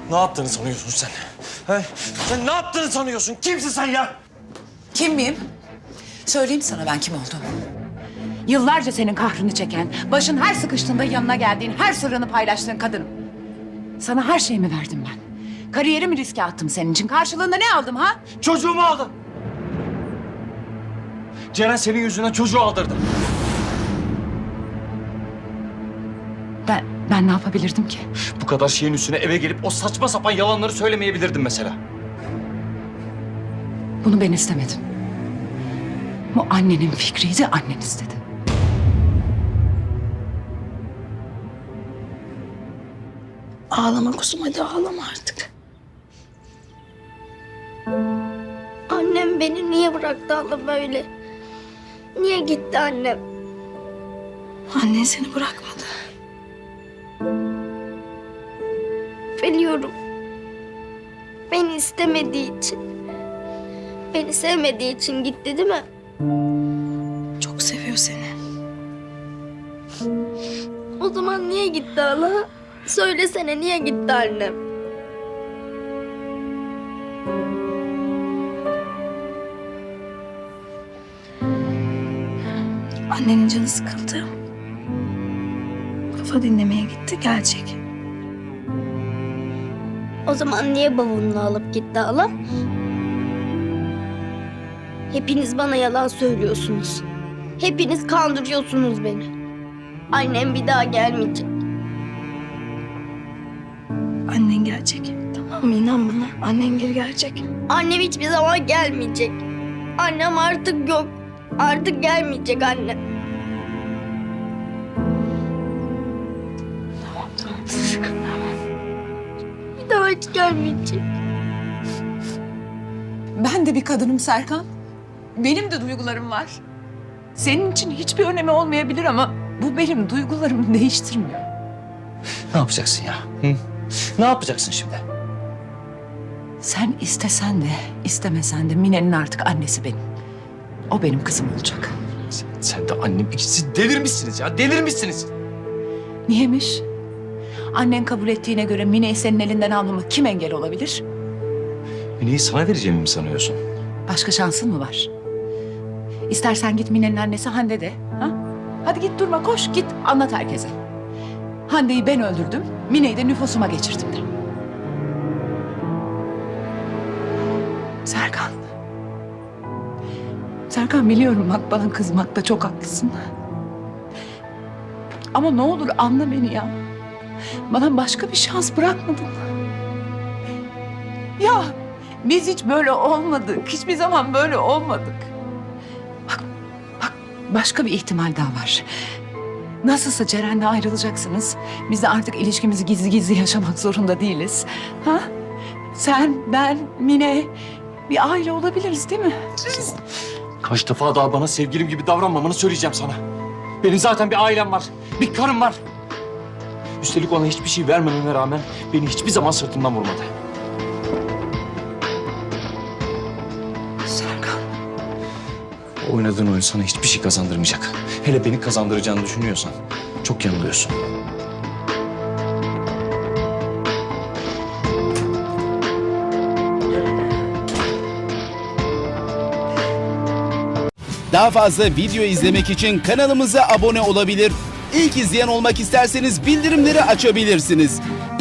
Ne yaptığını sanıyorsun sen? He? Sen ne yaptığını sanıyorsun? Kimsin sen ya? Kim miyim? Söyleyeyim sana ben kim olduğumu. Yıllarca senin kahrını çeken, başın her sıkıştığında yanına geldiğin, her sırrını paylaştığın kadınım. Sana her şeyimi verdim ben. Kariyerimi riske attım senin için. Karşılığında ne aldım ha? Çocuğumu aldın. Ceren senin yüzünden çocuğu aldırdı. Ben ne yapabilirdim ki? Bu kadar şeyin üstüne eve gelip o saçma sapan yalanları söylemeyebilirdim mesela. Bunu ben istemedim. Bu annenin fikriydi, annen istedi. Ağlama kuzum, hadi ağlama artık. Annem beni niye bıraktı hala böyle? Niye gitti annem? Annen seni bırakmadı. Biliyorum. Beni istemediği için, beni sevmediği için gitti değil mi? Çok seviyor seni. O zaman niye gitti hala? Söylesene, niye gitti annem? Annenin canı sıkıldı. Kafa dinlemeye gitti, gelecek. O zaman niye bavulunu alıp gitti hala? Hepiniz bana yalan söylüyorsunuz. Hepiniz kandırıyorsunuz beni. Annem bir daha gelmeyecek. Annen gelecek. Tamam mı? İnan bana. Annen geri gelecek. Annem hiçbir zaman gelmeyecek. Annem artık yok. Artık gelmeyecek annem. Tamam. Bir daha hiç gelmeyecek. Ben de bir kadınım Serkan. Benim de duygularım var. Senin için hiçbir önemi olmayabilir ama bu benim duygularımı değiştirmiyor. Ne yapacaksın ya? Hı? Ne yapacaksın şimdi? Sen istesen de istemesen de Mine'nin artık annesi benim. O benim kızım olacak. Sen de annem ikisi delirmişsiniz ya, delirmişsiniz. Niyemiş? Annen kabul ettiğine göre Mine'yi senin elinden almama kim engel olabilir? Mine'yi sana vereceğimi mi sanıyorsun? Başka şansın mı var? İstersen git Mine'nin annesi Hande de. Ha? Hadi git durma, koş git anlat herkese. Hande'yi ben öldürdüm, Mine'yi de nüfusuma geçirdim de. Serkan. Serkan biliyorum bak bana kızmakta çok haklısın. Ama ne olur anla beni ya. Bana başka bir şans bırakmadın. Ya biz hiç böyle olmadık. Hiçbir zaman böyle olmadık. Bak başka bir ihtimal daha var. Nasılsa Ceren'le ayrılacaksınız. Biz de artık ilişkimizi gizli gizli yaşamak zorunda değiliz. Ha? Sen, ben, Mine bir aile olabiliriz değil mi? Kaç defa daha bana sevgilim gibi davranmamanı söyleyeceğim sana. Benim zaten bir ailem var, bir karım var. Üstelik ona hiçbir şey vermememe rağmen beni hiçbir zaman sırtımdan vurmadı. Serkan. Oynadığın oyun sana hiçbir şey kazandırmayacak. Hele beni kazandıracağını düşünüyorsan çok yanılıyorsun. Daha fazla video izlemek için kanalımıza abone olabilir. İlk izleyen olmak isterseniz bildirimleri açabilirsiniz.